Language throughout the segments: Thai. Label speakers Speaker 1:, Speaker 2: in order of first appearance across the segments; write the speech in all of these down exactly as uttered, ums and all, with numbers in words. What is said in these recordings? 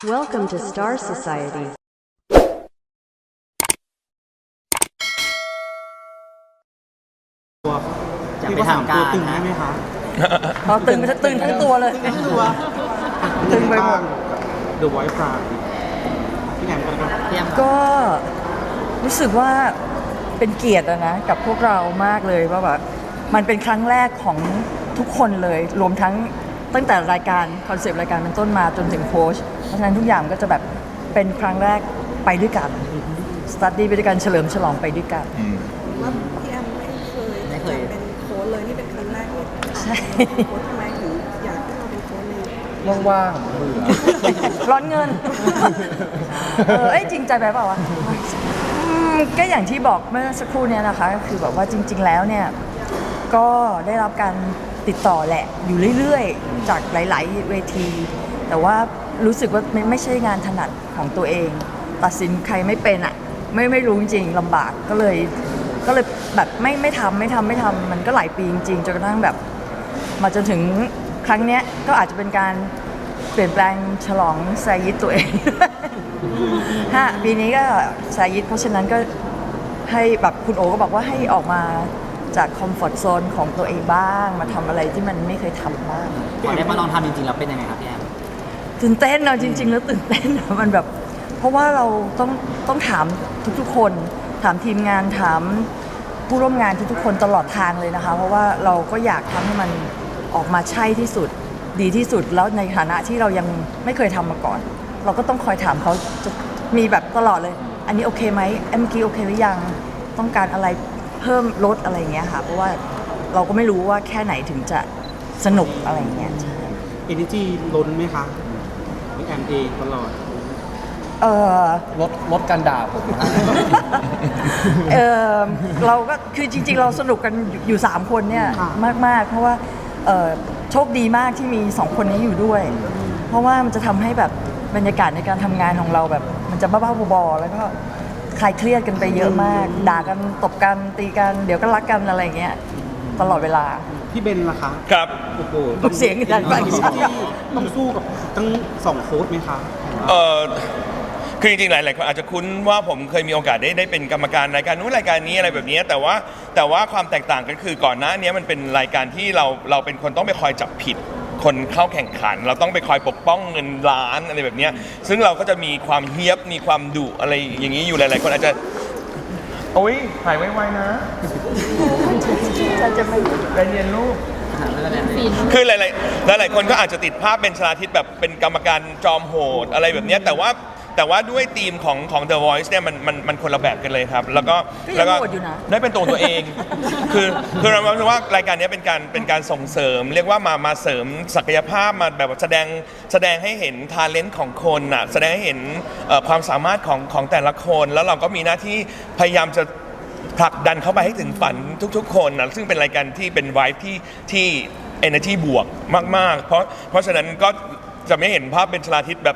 Speaker 1: Welcome to Star Society.
Speaker 2: ตัว
Speaker 3: จะ
Speaker 2: ที่
Speaker 3: ไป
Speaker 2: ว่าสาม
Speaker 3: ทำ
Speaker 2: ตัว
Speaker 3: การ
Speaker 2: ตึง
Speaker 3: นะ
Speaker 2: ได้ไหมคะ
Speaker 4: พอตึงจะตึงทั้งตัวเลย
Speaker 2: ตัว
Speaker 4: ตึงไปหมด
Speaker 2: The Voice Pride พี่แหนมกันครับ
Speaker 3: พี่แอม
Speaker 4: ก็รู้สึกว่าเป็นเกียรติอะนะกับพวกเรามากเลยว่าแบบมันเป็นครั้งแรกของทุกคนเลยรวมทั้งตั้งแต่รายการคอนเซปต์รายการเป็นต้นมาจนถึงโค้ชเพราะฉะนั้นทุกอย่างก็จะแบบเป็นครั้งแรกไปด้วยกันสตัดดี้ไปด้วยกันเฉลิมฉลองไปด้วยกัน
Speaker 5: ว่าพี่แอมไม่เคยจะเป็นโค้ชเลยนี่เป็นครั้งแรกที่
Speaker 4: ใช่
Speaker 5: โค้ชทำไมถึงอยากให้เราเป็นโค้ชเลย
Speaker 6: ว่างๆเบื่อ
Speaker 4: ร้อนเงิน เออเอ้ยจริงใจไปเปล่าวะอืมก็อย่างที่บอกเมื่อสักครู่เนี้ยนะคะก็คือแบบว่าจริง ๆ แล้วเนี่ยก็ได้รับการติดต่อแหละอยู่เรื่อยๆ จากหลาย ๆ เวที แต่ว่ารู้สึกว่าไม่ไม่ใช่งานถนัดของตัวเอง ตัดสินใครไม่เป็นอ่ะไม่ไม่รู้จริงๆลำบากก็เลยก็เลยแบบไม่ไม่ทำไม่ทำไม่ทำมันก็หลายปีจริงๆจนกระทั่งแบบ มาจนถึงครั้งเนี้ยก็อาจจะเป็นการเปลี่ยนแปลงฉลองไซยิตตัวเอง ฮะปีนี้ก็ไซยิตเพราะฉะนั้นก็ให้แบบคุณโอก็บอกว่าให้ออกมาจากคอมฟอร์ทโซนของตัวเองบ้าง มาทำอะไรที่มันไม่เคยทำบ้าง
Speaker 3: พอได้มาลองทำจริงๆแล้วเป็นยังไงครับพี่แอม
Speaker 4: ตื่นเต้นเนาะจริง ๆ แล้วตื่นเต้นอะมันแบบเพราะว่าเราต้องต้องถามทุกๆคน ถามทีมงานถามผู้ร่วมงานทุกๆคนตลอดทางเลยนะคะ เพราะว่าเราก็อยากทำให้มันออกมาใช่ที่สุดดีที่สุดแล้วในฐานะที่เรายังไม่เคยทำมาก่อน เราก็ต้องคอยถามเขาจะมีแบบตลอดเลย อันนี้โอเคไหมเมื่อกี้โอเคหรือยังต้องการอะไรเพิ่มลดอะไรอย่างเงี้ยค่ะเพราะว่าเราก็ไม่รู้ว่าแค่ไหนถึงจะสนุกอะไรอย่างเงี้ยใช่
Speaker 2: Energy ล้นไหมคะพี่แอมเองตลอด
Speaker 4: เออ
Speaker 6: ลดลดการด่าผมนะ
Speaker 4: เออเราก็คือจริงๆ เราสนุกกันอยู่สามคนเนี่ย
Speaker 2: ค่ะ
Speaker 4: มากๆ เพราะว่าเอ่อโชคดีมากที่มีสองคนนี้อยู่ด้วย เพราะว่ามันจะทำให้แบบบรรยากาศในการทำงานของเราแบบ มันจะบ้าๆบอๆแล้วก็คลายเครียดกันไปเยอะมาก ด่ากันตบกันตีกันเดี๋ยวก็รักกันอะไรอย่างเงี้ยตลอดเวลา
Speaker 2: พี่เบนล่ะคะ
Speaker 7: ครับ
Speaker 2: โอ้โห
Speaker 4: เสียงดังไป
Speaker 2: ต้องสู้กับทั้งสองโค้ชไหมคะ
Speaker 7: เออคือจริงๆหลายๆคนอาจจะคุ้นว่าผมเคยมีโอกาสได้ได้เป็นกรรมการรายการนู้นรายการนี้อะไรแบบนี้แต่ว่าแต่ว่าความแตกต่างกันคือก่อนหน้านี้มันเป็นรายการที่เราเราเป็นคนต้องไปคอยจับผิดคนเข้าแข่งขัน เราต้องไปคอยปกป้องเงินล้านอะไรแบบนี้ซึ่งเราก็จะมีความเฮี้ยบมีความดุอะไรอย่างนี้อยู่หลายๆคนอาจจะโอ้ยหายไวๆนะ
Speaker 4: จะจะไม่
Speaker 7: ใจเย็นลูก
Speaker 3: ไม่เป็นไร
Speaker 7: คือหลายๆหลายๆคนก็อาจจะติดภาพเป็นชลาทิศแบบเป็นกรรมการจอมโหดอะไรแบบเนี้ยแต่ว่าแต่ว่าด้วยธีมของของ The Voice เนี่ยมันมันมันคนละแบบกันเลยครับ แล้วก็
Speaker 4: ก็ยัง
Speaker 7: แล้วก็
Speaker 4: โหดอยู่นะ
Speaker 7: ได้เป็นตัวตัวเอง คือคือเราคิดว่ารายการนี้เป็นการเป็นการส่งเสริม เรียกว่ามามาเสริมศักยภาพมาแบบว่าแสดงแสดงให้เห็นทาเลนต์ของคนอ่ะแสดงให้เห็นเอ่อความสามารถของของแต่ละคน แล้วเราก็มีหน้าที่พยายามจะ ผลักดันเข้าไปให้ถึงฝันทุกๆ คนนะซึ่งเป็นรายการที่เป็นไวท์ที่ที่ energy บวกมากๆ เพราะเพราะฉะนั้นก็จะไม่เห็นภาพเป็นชลาทิศแบบ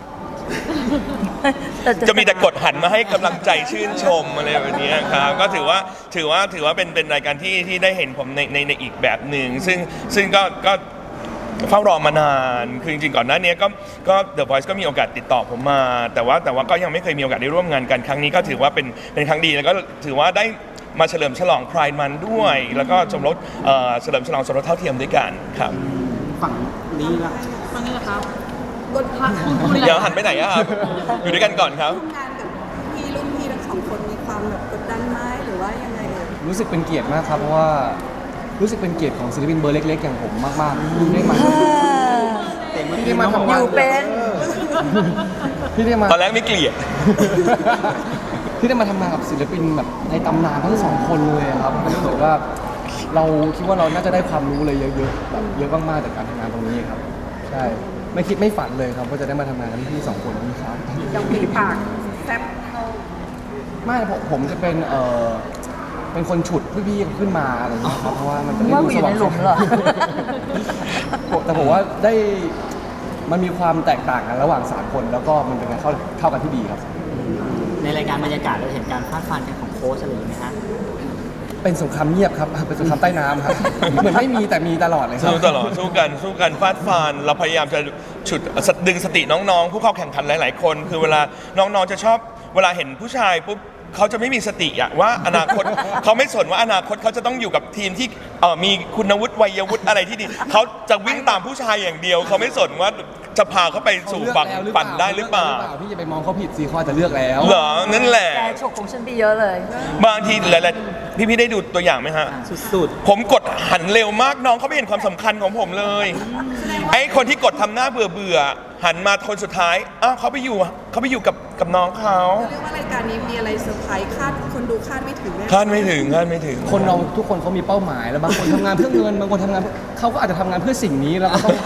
Speaker 7: จะมีแต่กดหันมาให้กำลังใจชื่นชมอะไรแบบนี้ครับก็ถือว่าถือว่าถือว่าเป็นเป็นรายการที่ที่ได้เห็นผมในในในอีกแบบหนึ่งซึ่งซึ่งก็ก็เฝ้ารอมานานคือจริงๆก่อนหน้านี้ก็ก็ The Voice ก็มีโอกาสติดต่อผมมา แต่ว่าแต่ว่าก็ยังไม่เคยมีโอกาสได้ร่วมงานกันครั้งนี้ก็ถือว่าเป็นเป็นครั้งดีแล้วก็ถือว่าได้มาเฉลิมฉลอง Pride Month ด้วย แล้วก็สมรสเอ่อเฉลิมฉลองสมรสเท่าเทียมด้วยกันครับ
Speaker 2: ฝั่งนี้ละ
Speaker 5: กดพัก
Speaker 7: เดี๋ยวหันไปไหนอะครับอยู่ด้วยกันก่อนครับ
Speaker 5: ทำงานกับพี่รุ่นพี่ทั้งสองคนมีความแบบกดดันไหมหรือว่ายังไงเอ่ย
Speaker 6: รู้สึกเป็นเกียรติมากครับเพราะว่ารู้สึกเป็นเกียรติของศิลปินเบอร์เล็กๆอย่างผมมากๆที่ได้มาที่ได้มาทำงาน
Speaker 4: อยู่เป็น
Speaker 6: ที่ได้มา
Speaker 7: ตอนแรกไม่เกลียด
Speaker 6: ที่ได้มาทำงานกับศิลปินแบบในตำนานทั้งสองคนเลยครับรู้สึกว่าเราคิดว่าเราน่าจะได้ความรู้เลยเยอะๆแบบเยอะมากๆจากการทำงานตรงนี้ครับใช่ไม่คิดไม่ฝันเลยครับว่าจะได้มาทำงานกับพี่ๆสองคนนี้ครับ
Speaker 5: ยังมีปากแซ่บเท่า
Speaker 6: ไม่ผมผมจะเป็นเออเป็นคนฉุดพี่ๆขึ้นมาอะไรอย่างเงี้ยครับเพราะว่ามันจะได้
Speaker 4: ว่า
Speaker 6: ดู
Speaker 4: กูอ
Speaker 6: ส
Speaker 4: ยู่
Speaker 6: ว่า
Speaker 4: ใน
Speaker 6: ง
Speaker 4: หลุมเหรอ
Speaker 6: แต่ผมว่าได้มันมีความแตกต่างกันระหว่างสามคนแล้วก็มันเป็นการเข้าเข้ากันที่ดีครับ
Speaker 3: ในรายการบรรยากาศเราเห็นการฟาดฟันกันของโค้ชอะไรอย่างเงี้ยฮะ
Speaker 6: เป็นสงครามเงียบครับเป็นสงครามใต้น้ำครับ เหมือนไม่มีแต่มีตลอดเลยครับ
Speaker 7: สู้ตลอดสู้กันสู้กันฟาดฟันเราพยายามจะฉุดดึงสติน้องๆ ผู้เข้าแข่งขันหลาย ๆ คน คือเวลาน้องๆจะชอบเวลาเห็นผู้ชายปุ๊บเขาจะไม่มีสติอะว่าอนาคต เขาไม่สนว่าอนาคตเขาจะต้องอยู่กับทีมที่เอ่อมีคุณวุฒิวัยวุฒิอะไรที่ดีเขาจะวิ่งตามผู้ชายอย่างเดียวเขาไม่สนว่าจะพาเขาไปสู่ฝั่งฝันได้หรือเปล่า
Speaker 6: พี่จะไปมองเขาผิดสิเขาอาจจะเลือกแล้ว
Speaker 7: เหรอนั่นแหละ
Speaker 4: แกฉกของฉันไปเยอะเลย
Speaker 7: บางทีหลายๆพี่ๆได้ดูตัวอย่างไหมฮะ
Speaker 2: สุด
Speaker 7: ผมกดหันเร็วมากน้องเขาไม่เห็นความสำคัญของผมเลย ไอ้คนที่กดทำหน้าเบื่อเบื่อๆหันมาคนสุดท้ายอ้าวเขาไปอยู่เขาไปอยู่กับกับน้องเขา
Speaker 5: เรียกว่ารายการนี้มีอะไรเซอร์ไพรส์คาดคนดูคาดไม่ถึงแน่
Speaker 7: คาดไม่ถึงคาดไม่ถึง
Speaker 6: คนเราทุกคนเขามีเป้าหมายแล้วบางคนทำงานเพื่อเงินบางคนทำงานเขาก็อาจจะทำงานเพื่อสิ่งนี้แล้วก็ต้อง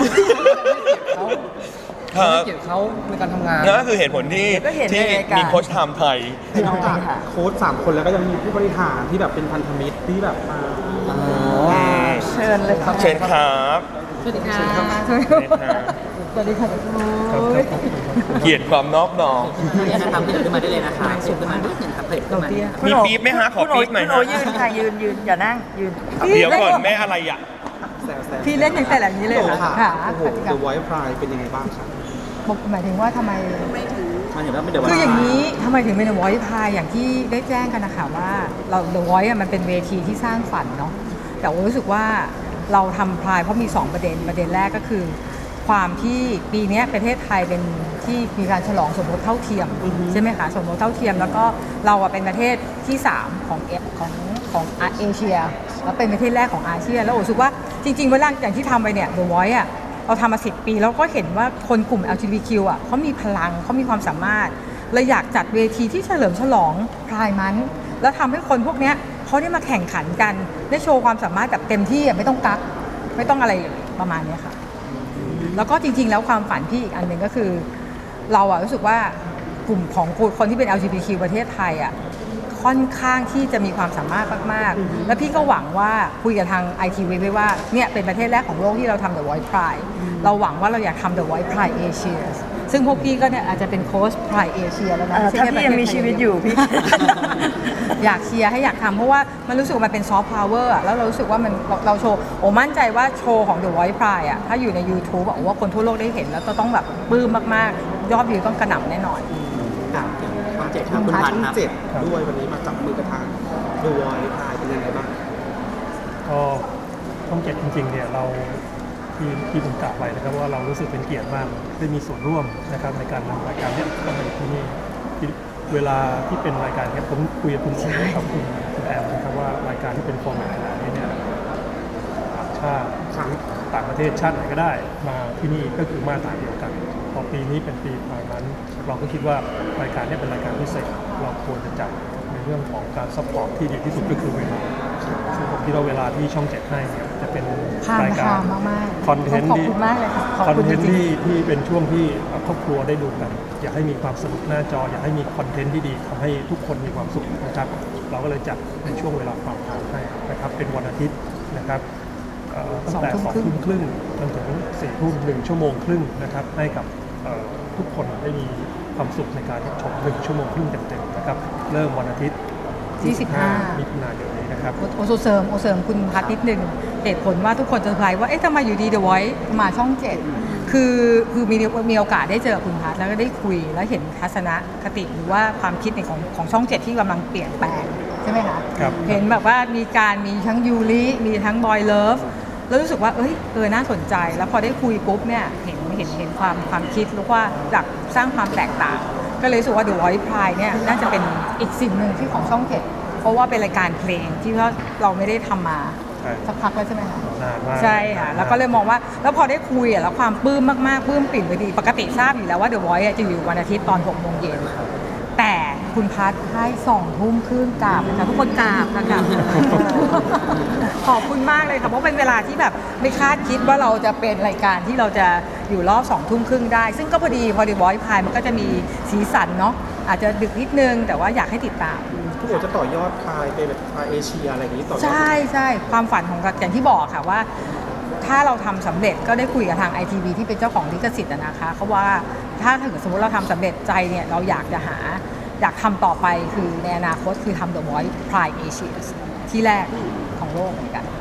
Speaker 6: ให้เกียรติเขาในการทำงาน
Speaker 7: นั่นก็คือเหตุผลที่
Speaker 4: ก็เห็นใน
Speaker 7: ที่
Speaker 4: รายการ
Speaker 7: มีโค้ชไทม์ไทย
Speaker 2: ๆนอกจากโค้ชสามคนแล้วก็ยังมีผู้บริหารที่แบบเป็นพันธมิตรที่แบบมา
Speaker 4: เชิญเลยครับ
Speaker 7: เชิญครับ
Speaker 4: สวัสดีค่ะ
Speaker 7: สวัสดีครับ
Speaker 4: สวัสดีค่ะ
Speaker 7: เกลียดความนอบน้อม
Speaker 3: เนี่ยนะครับพี่เดินขึ้นมาได้เลยนะคะสูงขึ้นมานิดหนึ่งครับเพจขึ้นมา
Speaker 7: มีปี๊บไหมฮะขอปี๊บหน่อย
Speaker 4: คุณ
Speaker 7: ฮะ
Speaker 4: โอยืนค่ะยืนยืนอย่านั่งยืน
Speaker 7: เดี๋ยวก่อนแม่อะไรอ่ะ
Speaker 2: แซวแซว
Speaker 8: พี่เล่นอย่างแต่ละนี้เลย
Speaker 2: โอ้
Speaker 8: ค่ะ
Speaker 2: ค่ะ
Speaker 8: ค่ะ
Speaker 2: โอ้โห The Voice Pride เป็นยังไงบ้างครับ
Speaker 8: หมายถึงว่าทำไม
Speaker 5: ไม่ถึง
Speaker 3: มาถึงว่าไม่เดี๋ยว
Speaker 8: คืออย่างนี้ทำไมถึงเป็น The Voice Pride อย่างที่ได้แจ้งกันนะคะว่าเรา The Voice อะมันเป็นเวทีที่สร้างฝันเนาะแต่ว่ารู้สึกว่าเราทำพรายเพราะมี สอง ประเด็นประเด็นแรกก็คือ ความที่ปีนี้ประเทศไทยเป็นที่มีการฉลองสมรสเท่าเทียมใช่ไหมคะสมรสเท่าเทียมแล้วก็เราอะเป็นประเทศที่สามของเอของของเอเชียแล้วเป็นประเทศแรกของอาเซียนแล้วรู้สึกว่าจริงๆเวลาอย่างที่ทำไปเนี่ย The Voice อะเราทำมาสิบปีแล้วก็เห็นว่าคนกลุ่ม แอล จี บี ที คิว อ่ะเขามีพลังเขามีความสามารถเลยอยากจัดเวทีที่เฉลิมฉลองพรายมันท์แล้วทำให้คนพวกเนี้ยเขาได้มาแข่งขันกันได้โชว์ความสามารถแบบเต็มที่อ่ะไม่ต้องกักไม่ต้องอะไรเลยประมาณเนี้ยค่ะแล้วก็จริงๆแล้วความฝันพี่อีกอันหนึ่งก็คือ เราอะรู้สึกว่ากลุ่มของคนที่เป็น แอล จี บี ที คิว ประเทศไทยอะค่อนข้างที่จะมีความสามารถมากๆแล้วพี่ก็หวังว่าคุยกับทาง ไอ ที วี ไว้ว่าเนี่ยเป็นประเทศแรกของโลกที่เราทำ The Voice Pride เราหวังว่าเราอยากทำ The Voice Pride Asia ซึ่งพวกพี่ก็เนี่ยอาจจะเป็นโค้ช Pride Asia แล้วนะ
Speaker 4: เอ่อถ้าพี่ยังมีชีวิตอยู่พี่
Speaker 8: อยากเชียร์ให้อยากทำเพราะว่ามันรู้สึกว่ามันเป็นซอฟต์พาวเวอร์แล้วเรารู้สึกว่ามันเราเราโชว์โอ้มั่นใจว่าโชว์ของ The Voice Pride อะถ้าอยู่ใน YouTube อะโอ้ว่าคนทั่วโลกได้เห็นแล้วก็ต้องแบบปลื้มมากๆยอดวิวต้องกระหน่ำแน่นอน
Speaker 3: ครับช่องเจ็ดครับคุณพันธ์ครับ
Speaker 2: เจ็ดด้วยวันนี้มาจับมือกับทาง The Voice Pride เป็นยังไงบ้าง
Speaker 9: ก็ช่องเจ็ดจริงๆเนี่ยเราที่ที่ผมกล่าวไปนะครับว่าเรารู้สึกเป็นเกียรติมากได้มีส่วนร่วมนะครับในการนำรายการเนี้เข้ามาที่นี่ที่เวลาที่เป็นรายการเนี้ผมคุยกับคุณโอกับคุณคุณแอมนะครับว่ารายการที่เป็นฟอร์แมตขนาดนี้เนี่ยต่างชาติต่างประเทศชาติไหนก็ได้มาที่นี่ก็คือมาตรฐานเดียวกันพอปีนี้เป็นปีพายนั้นเราก็คิดว่ารายการนี้เป็นรายการพิเศษเราควรจะจัดในเรื่องของการซัพพอร์ตที่ดีที่สุดก็คือเวลาซึ่งผมคิดว่าเวลาที่ช่องเจ็ดให้เนี่ยจะเป็น
Speaker 8: ผ่าน
Speaker 9: รายการ
Speaker 8: มากมากๆ
Speaker 9: คอนเทนต์
Speaker 8: ขอบ
Speaker 9: ที่
Speaker 8: คุณมากเลยค่ะขอบ
Speaker 9: คอน
Speaker 8: คุณ
Speaker 9: เท
Speaker 8: จ
Speaker 9: นต์
Speaker 8: ริง
Speaker 9: ที่ที่เป็นช่วงที่ครอบครัวได้ดูกัน อยากให้มีความสนุกหน้าจอ อยากให้มีคอนเทนต์ที่ดีทำให้ทุกคนมีความสุขนะครับ เราก็เลยจัดในช่วงเวลาความทางให้นะครับเป็นวันอาทิตย์นะครับเอ่อตั้งแต่สองทุ่มครึ่งจนถึงสี่ทุ่มหนึ่งชั่วโมงครึ่งนะครับให้กับเอ่อทุกคนได้มีความสุขในการชมหนึ่งชั่วโมงครึ่งเต็มๆนะครับเริ่มวันอาทิตย์
Speaker 8: ที่สิบห้า
Speaker 9: มิถุนายนนี้นะครับ
Speaker 8: โอโอเสริมโอเสริมคุณพัฒนิดนึงเหตุผลว่าทุกคนจะสงสัยว่าเอ๊ะทำไมอยู่ดี The Voice มาช่องเจ็ดคือคือมีมีโอกาสได้เจอคุณพัฒแล้วก็ได้คุยแล้วเห็นทัศนคติหรือว่าความคิดในของของช่องเจ็ดที่กำลังเปลี่ยนแปลงใช่ไหมคะ
Speaker 9: ครับ
Speaker 8: เห็นแบบว่ามีการมีทั้งยูริมีทั้งบอยเลิฟแล้วรู้สึกว่าเอ้ยเออน่าสนใจแล้วพอได้คุยปุ๊บเนี่ยเห็นเห็นเห็นความความคิดแล้วว่าอยากสร้างความแตกต่าง ก็เลยรู้สึกว่า The Voice Pride เนี่ยน่าจะเป็นอีกสิ่งหนึ่งที่ของช่องเจ็ดเพราะว่าเป็นรายการเพลงที่ว่าเราไม่ได้ทำมา
Speaker 9: ใช่
Speaker 8: สักพักแล้วใช่ไหมคะ
Speaker 9: นานมาก
Speaker 8: ใช่ค่ะแล้วก็เลยมองว่าแล้วพอได้คุยอ่ะแล้วความปลื้มมากๆปลื้มปิ่นไปดีปกติทราบอยู่แล้วว่า The Voice อ่ะจะอยู่วันอาทิตย์ตอนหกโมงเย็นแต่คุณพัดให้สองทุ่มครึ่งกราบนะคะทุกคนกราบค่ะกราบขอบคุณมากเลยค่ะเพราะเป็นเวลาที่แบบไม่คาดคิดว่าเราจะเป็นรายการที่เราจะอยู่รอบสองทุ่มครึ่งได้ ซึ่งก็พอดีพอ The Voice Pride มันก็จะมีสีสันเนาะอาจจะดึกนิดนึงแต่ว่าอยากให้ติดตาม
Speaker 2: ทุกคนจะต่อยอดพายไปแบบพายเอเชียอะไรอย่างนี้ต่อยอด
Speaker 8: ใช่ใช่ความฝันของเราอย่างที่บอกค่ะว่า ถ้าเราทำสำเร็จก็ได้คุยกับทาง ไอ ที วี ที่เป็นเจ้าของลิขสิทธิ์อะนะคะเขาว่าถ้าถึงสมมติเราทำสำเร็จใจเนี่ยเราอยากจะหาอยากทำต่อไปคือในอนาคตคือทำ The Voice Pride Asia ที่แรกของโลกเหมือนกัน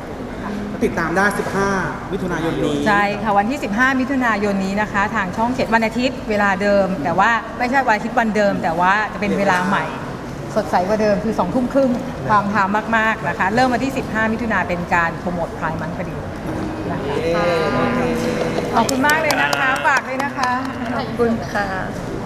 Speaker 8: ค่ะ
Speaker 2: ติดตามได้สิบห้ามิถุนายนนี้
Speaker 8: ใช่ค่ะวันที่ สิบห้า มิถุนายนนี้นะคะ ทางช่องเจ็ดวันอาทิตย์เวลาเดิม แต่ว่าไม่ใช่วันอาทิตย์วันเดิม แต่ว่าจะเป็นเวลาใหม่ สดใสกว่าเดิมคือสองทุ่มครึ่งความทามมากๆนะคะ เริ่มวันที่ สิบห้า มิถุนาเป็นการโปรโมทพรายมันพอดีนะคะขอบคุณมากเลยนะคะฝากเลยนะคะ
Speaker 4: ขอบคุณค่ะ